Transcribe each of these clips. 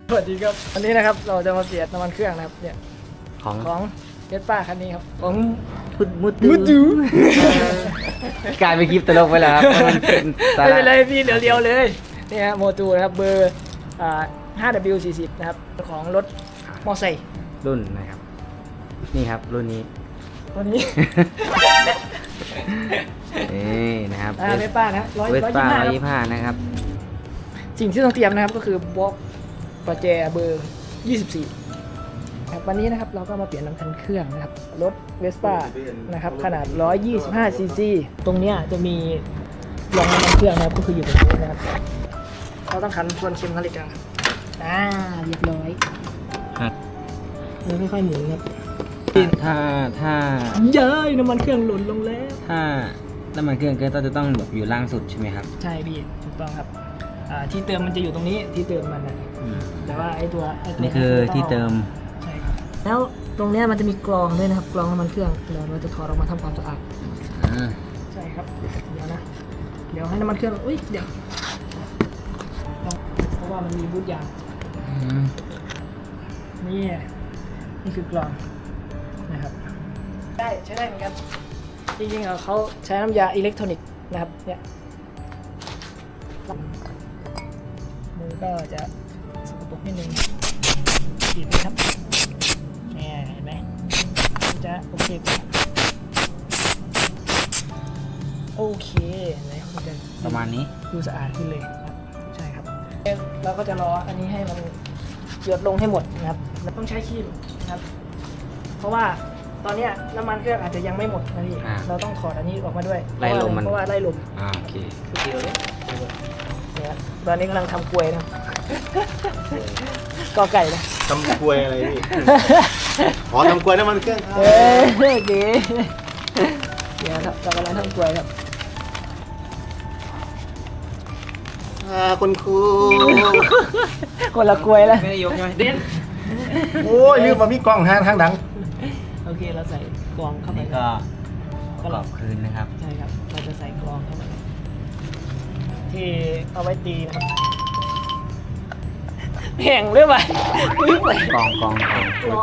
สวัสดีครับวันนี้นะครับเราจะมาเปลี่ยนน้ำมันเครื่องนะครับเนี่ย ของเวสป้าคันนี้ครับของมุตูกลายเป็นคลิปตลกไปแล้วครับไม่เป็นไรพี่เรียวๆเลยนี่ฮะโมตูนะครับเบอร์5W40 นะครับของรถมอไซค์รุ่นนะครับนี่ครับรุ่นนี้ตัวนี้นี่นะครับเวสป้านะเวสป้า 125 125นะครับสิ่งที่ต้องเตรียมนะครับก็คือบล็อกประแจเบอร์ 24ครับวันนี้นะครับเราก็มาเปลี่ยนน้ำคันเครื่องนะครับรถเวสป้านะครับขนาด 125 ซีซีตรงเนี้ยจะมีรองน้ำมันเครื่องนะครับก็คืออยู่ตรงนี้นะครับเราต้องขันทวนเข็มนาฬิกาเรียบร้อยเราไม่ค่อยหมุนครับถ้าเย้ยน้ำมันเครื่องหล่นลงแล้วถ้าน้ำมันเครื่องก็จะต้องแบบอยู่ล่างสุดใช่ไหมครับใช่พี่ถูกต้องครับที่เติมมันจะอยู่ตรงนี้ที่เติมมันนะแต่ว่าไอ้ตัวนี่คือที่เติมใช่ครับแล้วตรงเนี้ยมันจะมีกรองด้วยนะครับกรองน้ำมันเครื่องเดี๋ยวเราจะถอดออกมาทำความสะอาดใช่ครับเดี๋ยวนะเดี๋ยวให้น้ำมันเครื่องอุ้ยเดี๋ยวเพราะว่ามันมีบูทยางนี่คือกรองนะครับได้ใช้ได้เหมือนกันจริงๆเขาใช้น้ำยาอิเล็กทรอนิกส์นะครับเนี่ยมือก็จะสกปรกนิดนึงฉีดเลยครับเนี่ยเห็นไหมจะโอเคกว่าโอเคไหนมันจะประมาณนี้ดูสะอาดขึ้นเลยครับใช่ครับเราก็จะรออันนี้ให้มันหยดลงให้หมดนะครับเราต้องใช้ครีมนะครับเพราะว่าตอนนี้น้ำมันเครื่องอาจจะยังไม่หมดนะพี่เราต้องถอดอันนี้ออกมาด้วยไล่ลมมันเพราะว่าไล่ลมโอเคเนี่ยตอนนี้กำลังทำกล้วยนะ กอไก่นะทำกล้วยอะไรพี่ อ๋อทำกล้วยน้ำมันเครื่องดีเดี๋ยวครับเรากำลังทำกล้วยครับคุณครูคนละกล้วยแล้วไม่ได้ยกใช่ไหมเด่นโอ้ยลืมมามีกล้องทางดังโอเคเราใส่กรองเข้าไปนี่ก็ประกอบคืนนะครับใช่ครับเราจะใส่กรองเข้าไปที่เอาไว้ตีนะครับแห้งหรือเปล่ากอง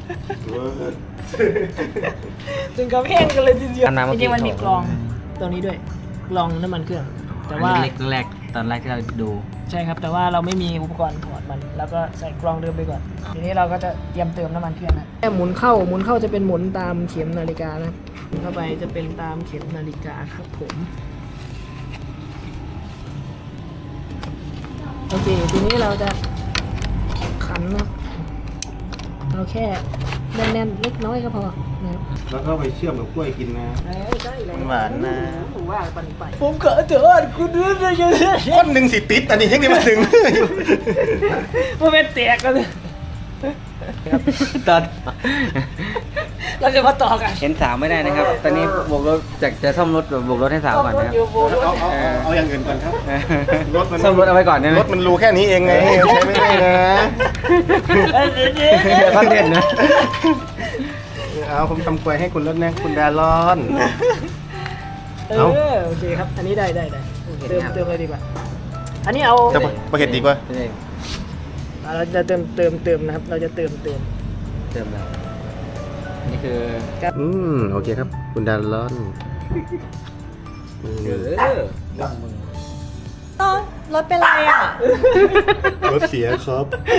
ถึงกับแห้งกันเลยทีเดียวอันนั้นเมื่จอกี้ริงๆมันมีกรองตัวนี้ด้วยกรองน้ำมันเครื่องแต่ว่าแรกตอนแรกที่เราดูใช่ครับแต่ว่าเราไม่มีอุปกรณ์ถอดมันแล้วก็ใส่กรองเดิมไปก่อนทีนี้เราก็จะเตรียมเติมน้ำมันเครื่องนะหมุนเข้าจะเป็นหมุนตามเข็มนาฬิกานะหมุนเข้าไปจะเป็นตามเข็มนาฬิกาครับผมโอเคทีนี้เราจะขันนะเราแค่แน่นๆเล็กน้อยก็พอนะครับแล้วก็ไปเชื่อมกับกล้วยกินนะใช่เลยหวานนะว่าปันไปผมขอโทษคุณด้วยนะยังคนหนึ่งสิติดอันนี้ยังได้มาถึงมันเป็นแตกกันเลยตอนเราจะมาต่อกันเห็นสาวไม่ได้นะครับ ตอนนี้บวกรถจากจะซ่อมรถแบบบวกรถให้สาวก่อนนะครับเอาอย่างอื่นก่อนครับ รถมันซ่อมรถเอาไว้ก่อนได้ไหมรถมันรูแค่นี้เองไงใช้ไม่ได้นะเดี๋ยวคอนเทนต์นะเอาผมทำกล้วยให้คุณรถนะคุณดาลอนโอเคครับอันนี้ได้เติมเลยดีกว่าอันนี้เอาจะประเห็ดดีกว่าเราจะเติมนะครับเราจะเติมเติมแล้วนี่คือโอเคครับ คุณดาลอนรถเป็นไรอ่ะรถเสียครับ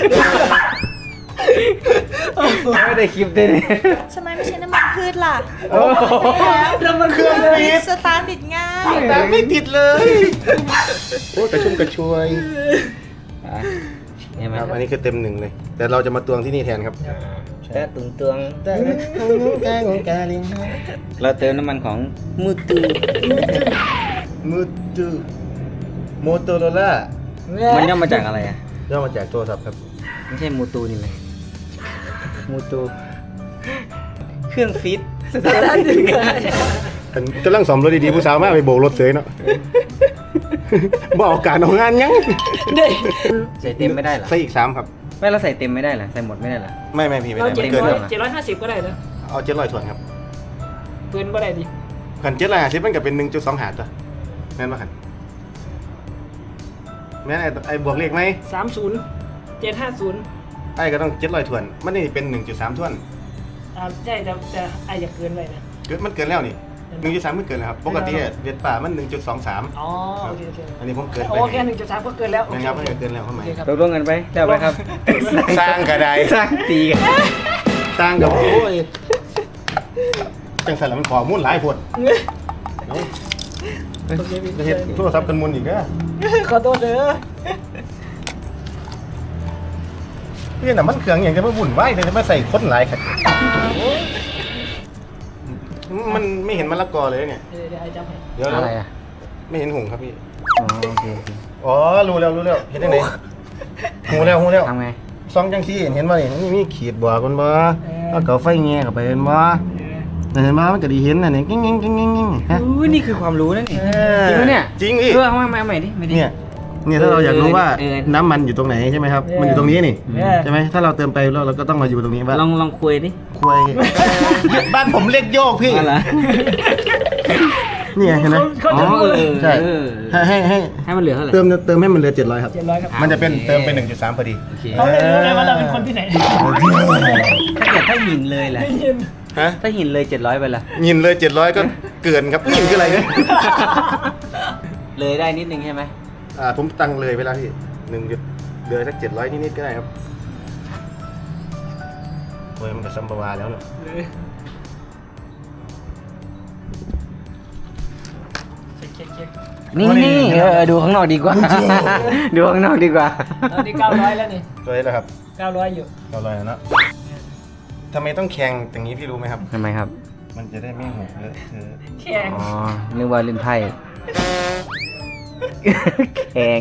ไม่ได้คลิปด้วยเนี่ยทำไมไม่ใช้น้ำมันพืชล่ะน้ำมันเครื่องฟีดสตาร์ทติดง่ายแต่ไม่ติดเลยโอ้กระชุ่มกระชวยเห็นไหมคครัรับบ อันนี้คือเต็มหนึ่งเลย แต่เราจะมาตวงที่นี่แทนครับแต่ตุงตวงเราเติมน้ำมันของมูตูมูตูโมโตโรล่ามันย่อมาจากอะไรอ่ะย่อมาจากโทรศัพท์ครับไม่ใช่มูตูนี่ไหมมูตูเครื่องฟิตสตาร์ทถึงไงกำลังสอมรถดีๆผู้สาวมากไปโบกรถเสยเนาะ บอกการเอางานยังใส่เต็มไม่ได้เหรอใส่อีก3ครับไม่เราใส่เต็มไม่ได้เหรอใส่หมดไม่ได้เหรอไม่พี่ไม่เราได้มันเกินครับ 750ก็ได้นะเอา700ส่วนครับเกินก็ได้ดิขัน750มันก็เป็น1.2หารตัวแม่นป่ะขันแม่นไอ้บวกเลขไหม 30 750 ไอ้ก็ต้อง700ถ้วนมันนี่เป็น 1.3ถ้วนใช่แต่ไออยากเกินไปนะมันเกินแล้วนี่1.3มันเกินแล้วครับปกติเวียดป่ามัน 1.23 อ๋อโอเคอันนี้ผมเกินไปโอเค1.3ก็เกินแล้วนะครับมันเกินแล้วทำไมโอเคครับตกลงกันไปแล้วไปครับสร้างกระไดสร้างตีกันสร้างกับโอ้ยจังสันแล้วมันขอมุ่นหลายพดเนาะจะเห็นโทรศัพท์กันมุนอีกเด้อขอโทษเด้อพี่น่ะมันเครื่องอย่างจะมาบุ่นไหวเลยจะมาใส่คนหลายขัดมันไม่เห็นมะละกอเลยเนี่ยเดี๋ยวไอจำให้เดี๋ยวอะไรอ่ะไม่เห็นหงส์ครับพี่อ๋อโอเคโอเคอ๋อรู้แล้วเห็นได้ไหนหูแล้วทำไงซองจังซี่เห็นบ่นี่มีขีดบัวกันบ่แล้วก็ไฟแง่เข้าไปเห็นบ่เห็นบ่มันก็ดีเห็นน่ะนี่กิ้งฮะอู้นี่คือความรู้นั่นนี่จริงไหมเนี่ยจริงพี่เอามาใหม่ดิไม่ดิเนี่ยถ้าเราอยากรู้ว่าเออน้ำมันอยู่ตรงไหนใช่ไหมครับ มันอยู่ตรงนี้นี่ใช่ไหมถ้าเราเติมไปแล้วเราก็ต้องมาอยู่ตรงนี้ว่าลองคุยดิคุยบ้านผมเรียกโยกพี่อะไรนี่ไงเห็นไหมอ๋อใช่เออให้มันเหลือเท่าไหร่เติมให้มันเหลือ700ครับ 700ครับมันจะเป็นเติมเป็น 1.3พอดีโอเคเขาไม่รู้เลยว่าเราเป็นคนที่ไหนถ้าหินเลยล่ะได้ยินฮะถ้าหินเลย700ไปล่ะยินเลย700ก็เกินครับยินคืออะไรเนี่ยเลยได้นิดนึงใช่ไหมผมตั้งเลยเวลาพี่เหลือสัก700นิดๆก็ได้ครับโอ้ยมันก็ซัมบาวาแล้วเนอะเช็คนี่ดูข้างนอกดีกว่า ดูข้างนอกดีกว่าตอนนี้900แล้วนี่ตัวนี้แหละครับ 900อยู่ 900แล้วเนอะทำไมต้องแข่งอย่างนี้พี่รู้ไหมครับทำไมครับมันจะได้ไม่หกเลอะเทอะแข่งอ๋อ นึกว่าเล่นไพ่ แข่ง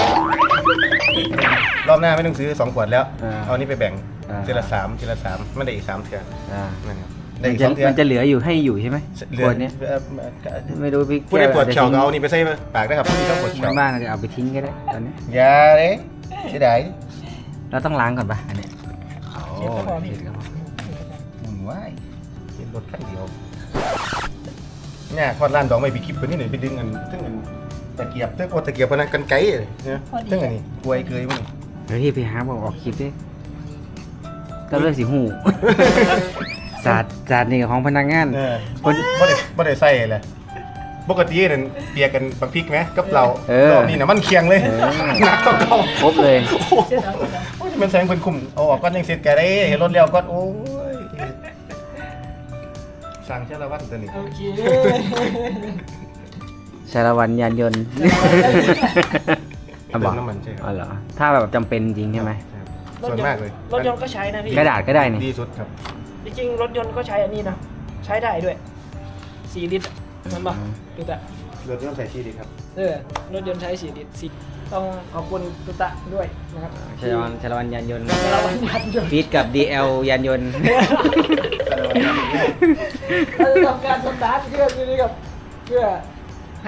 รอบหน้าไม่ต้องซื้อ2ขวดแล้ว เอานี่ไปแบ่งอ่าทีละ3ไม่ได้อีก3เทือนอ่านั่นครับมัได้นอีกจะ 2เทือนมันจะเหลืออยู่ให้อยู่ใช่ไหมเหลืขอวดเนี้ย ไม่รู้พี่ผู้ได้ปวดเข่าก็เอานี่นี่ไปใส่ปากได้ครับผู้ที่ชอบปวดเข่าบ้านๆจะเอาไปทิ้งก็ได้ตอนนี้อย่าเลยเสียดายเราต้องล้างก่อนปะอันเนี้ยโอ้เสียดายมันไหวเห็นรถคันเดียวเนี่ยคอดร้านดอกไม้ปีคลิปตัวนี้หน่อยไปดึงอันตึ้งอันตะเกียบตึ้งโอตะเกียบพนักกันไกลเลยเนี่ยตึ้งอันนี้กล้วยเกยมันเดี๋ยวพี่ไปหาบอกออกคลิปดิก็เลือกสีหู ศาสตร์นี่ของพนักงานคนบ่ได้ใส่เลยปกตินั่นเปียกกันบักพริกไหมกับเราเออรอบนี้น่ะมันเคียงเลยเออหนักต้องเข้าครบเลยโอ้โหโอ้ยมันแสงเป็นคุมเอาออกก้อนยังเสร็จแกได้เห็นรถเลี้ยวก้อนโอ้ยสั่งเชลวันตัวนี้โอเคชาละวันยานยนต์เติมน้ำมันใช่คอ๋รัอบ เหรอ ถ้าแบบจำเป็นจริงใช่ไหมครับส่วนมากเลยรถยนต์ก็ใช้นะพี่กระดาษก็ได้นี่ดีสุดครับจริงๆรถยนต์ก็ใช้อันนี้นะใช้ได้ด้วย4 ลิตรมันป่ะตุ๊ตะรถต้องใส่ชีดีครับรถยนต์ใช้4 ลิตรต้องขอบคุณตุ๊ตะด้วยนะครับชาละวันยานยนต์ชาละวันยานยนต์ฟีดกับ DL ยานยนต์เราจะทำการสตาร์ทเครื่องนี้กับเพื่อให้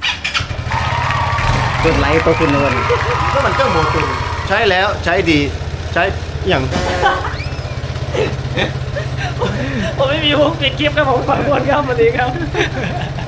กดไลค์ตัวคุณนวลก็มันเครื่องโมตุนใช้แล้วใช้ดีใช้อย่างผมไม่มีมุกปิดคลิปครับผมขอโทษครับสวัสดีครับ